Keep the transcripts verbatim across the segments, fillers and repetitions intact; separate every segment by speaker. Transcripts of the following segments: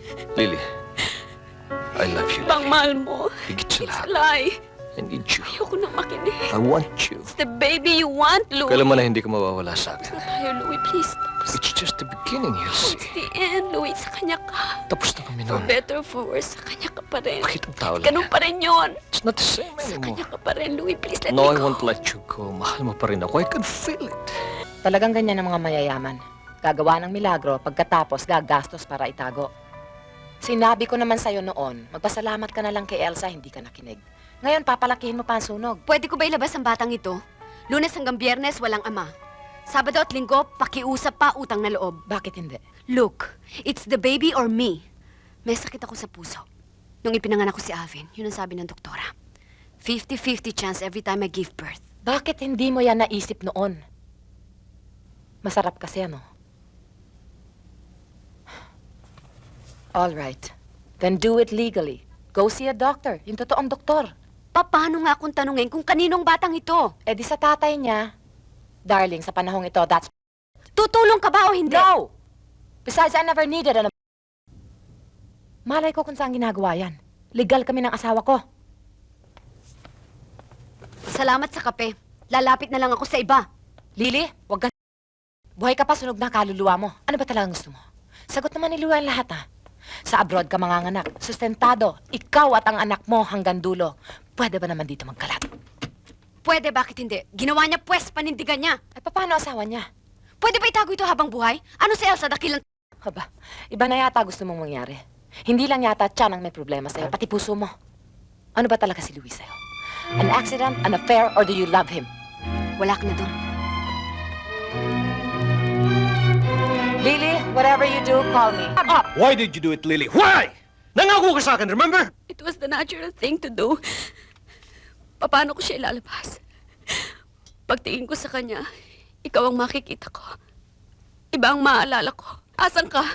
Speaker 1: Lily, I love you,
Speaker 2: Bang
Speaker 1: Lily.
Speaker 2: mahal mo.
Speaker 1: Higit sa
Speaker 2: It's a
Speaker 1: lahat.
Speaker 2: lie.
Speaker 1: I need you.
Speaker 2: Ayoko nang makinig.
Speaker 1: I want you.
Speaker 2: It's the baby you want, Louie.
Speaker 1: Kailan man na hindi ka mawawala sa
Speaker 2: Tapos
Speaker 1: akin.
Speaker 2: na tayo, Louie. Please, tapos.
Speaker 1: It's just the beginning, you'll
Speaker 2: It's
Speaker 1: see.
Speaker 2: the end, Louie. Sa kanya ka.
Speaker 1: Tapos na kami
Speaker 2: For
Speaker 1: nun.
Speaker 2: better or for worse, sa kanya ka pa rin.
Speaker 1: Bakit ang tao lang
Speaker 2: Ganun
Speaker 1: yan?
Speaker 2: pa rin yun.
Speaker 1: It's not the same
Speaker 2: Sa
Speaker 1: anymore.
Speaker 2: kanya ka pa rin, Louie. Please, let
Speaker 1: No, I
Speaker 2: me go.
Speaker 1: won't let you go. Mahal mo pa rin ako. I can feel it.
Speaker 3: Talagang ganyan ang mga mayayaman. Gagawa ng milagro, pagkatapos gagastos para itago. Sinabi ko naman sa'yo noon, magpasalamat ka na lang kay Elsa, hindi ka nakinig. Ngayon, papalakihin mo pa ang sunog.
Speaker 4: Pwede ko ba ilabas ang batang ito? Lunes hanggang Biyernes, walang ama. Sabado at Linggo, pakiusap pa, utang na loob.
Speaker 3: Bakit hindi?
Speaker 4: Look, it's the baby or me. May sakit ako sa puso. Nung ipinanganak ko si Alvin, yun ang sabi ng doktora. fifty fifty chance every time I give birth.
Speaker 3: Bakit hindi mo yan naisip noon? Masarap kasi ano? All right. Then do it legally. Go see a doctor, yung totoong doktor.
Speaker 4: Paano nga akong tanungin kung kaninong batang ito?
Speaker 3: Eh di sa tatay niya. Darling, sa panahong ito, that's...
Speaker 4: Tutulong ka ba o hindi?
Speaker 3: No! Besides, I never needed an... Malay ko kung saan ginagawa yan. Legal kami ng asawa ko.
Speaker 4: Salamat sa kape. Lalapit na lang ako sa iba.
Speaker 3: Lily, wag ka... Buhay ka pa, sunog na kaluluwa mo. Ano ba talagang gusto mo? Sagot naman ni Luan lahat, ha? Sa abroad ka manganganak, sustentado, ikaw at ang anak mo hanggang dulo. Pwede ba naman dito magkalat?
Speaker 4: Pwede, bakit hindi? Ginawa niya pwes, panindigan niya.
Speaker 3: Ay, paano asawa niya?
Speaker 4: Pwede ba itago ito habang buhay? Ano si Elsa, dakilang...
Speaker 3: Haba, iba na yata gusto mong mangyari. Hindi lang yata tiyan ang may problema sa'yo, pati puso mo. Ano ba talaga si Luis sa'yo? An accident, an affair, or do you love him?
Speaker 4: Wala ka na doon.
Speaker 3: Lily, whatever you do, call me. Up!
Speaker 1: Why did you do it, Lily? Why? Nangako ka sa akin, remember?
Speaker 2: It was the natural thing to do. Paano ko siya ilalabas? Pagtingin ko sa kanya, ikaw ang makikita ko. Iba ang maaalala ko. Asan ka?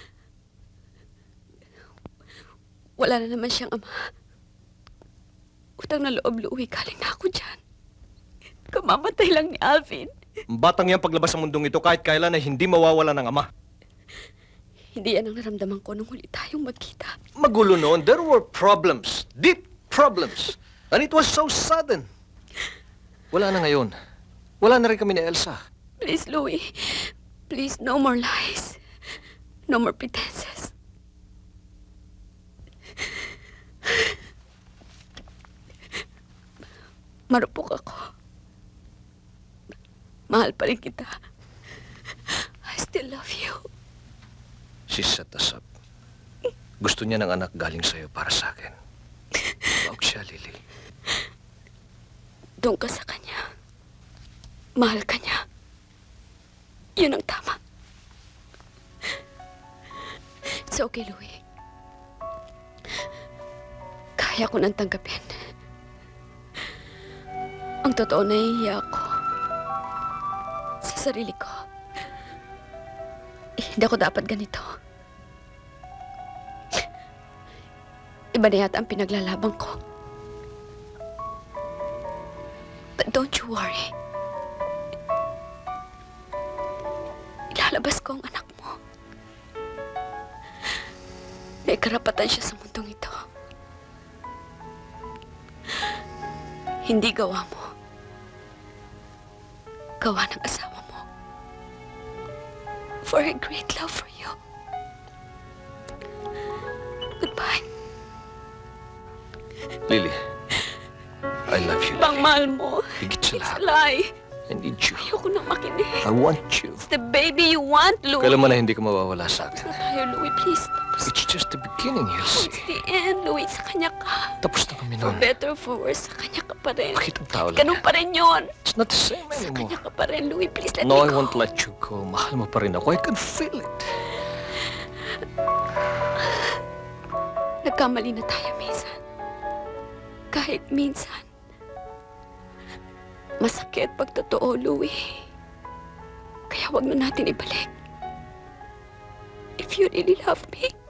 Speaker 2: Wala na naman siyang ama. Utang na loob, Louie. Galing na ako dyan. Kamamatay lang ni Alvin.
Speaker 1: Ang batang yan paglabas sa mundong ito kahit kailan ay hindi mawawala ng ama.
Speaker 2: Hindi yan ang naramdaman ko nung huli tayong magkita.
Speaker 1: Magulo noon. There were problems. Deep problems. And it was so sudden. Wala na ngayon. Wala na rin kami ni Elsa.
Speaker 2: Please, Louie. Please, no more lies. No more pretenses. Marupok ako. Mahal pa rin kita. I still love you.
Speaker 1: She set us up. Gusto niya ng anak galing sa'yo para sa akin. Huwag siya, Lily.
Speaker 2: Doon ka sa kanya. Mahal ka niya. Yun ang tama. It's okay, Louie. Kaya ko nang tanggapin. Ang totoo, nahihiya ako. Sa sarili ko. Eh, hindi ako dapat ganito. Iba na yata ang pinaglalaban ko. But don't you worry. Ilalabas ko ang anak mo. May karapatan siya sa mundong ito. Hindi gawa mo. Gawa ng asawa mo. For a great love for you. Goodbye.
Speaker 1: Lily, I love you,
Speaker 2: Bang
Speaker 1: Lily.
Speaker 2: mahal mo.
Speaker 1: Higit sa
Speaker 2: It's a
Speaker 1: lahat.
Speaker 2: lie.
Speaker 1: I need you.
Speaker 2: Ayoko nang makinig.
Speaker 1: I want you.
Speaker 2: It's the baby you want, Louie.
Speaker 1: Kailan man na hindi ka mawawala sa
Speaker 2: Tapos
Speaker 1: akin.
Speaker 2: na tayo, Louie. Please, tapos.
Speaker 1: It's just the beginning, you'll see.
Speaker 2: It's the end, Louie. Sa kanya ka.
Speaker 1: Tapos na kami
Speaker 2: For
Speaker 1: nun.
Speaker 2: better or for worse, sa kanya ka pa rin.
Speaker 1: Bakit ang tao lang
Speaker 2: Ganun
Speaker 1: yan?
Speaker 2: pa rin yun.
Speaker 1: It's not the same
Speaker 2: Sa
Speaker 1: anymore.
Speaker 2: kanya ka pa rin, Louie. Please, let
Speaker 1: No,
Speaker 2: me
Speaker 1: I
Speaker 2: go.
Speaker 1: won't let you go. Mahal mo pa rin ako. I can feel it.
Speaker 2: Nagkamali na tayo minsan. Kahit minsan. Masakit pag totoo, Louie. Kaya wag na natin ibalik. If you really love me,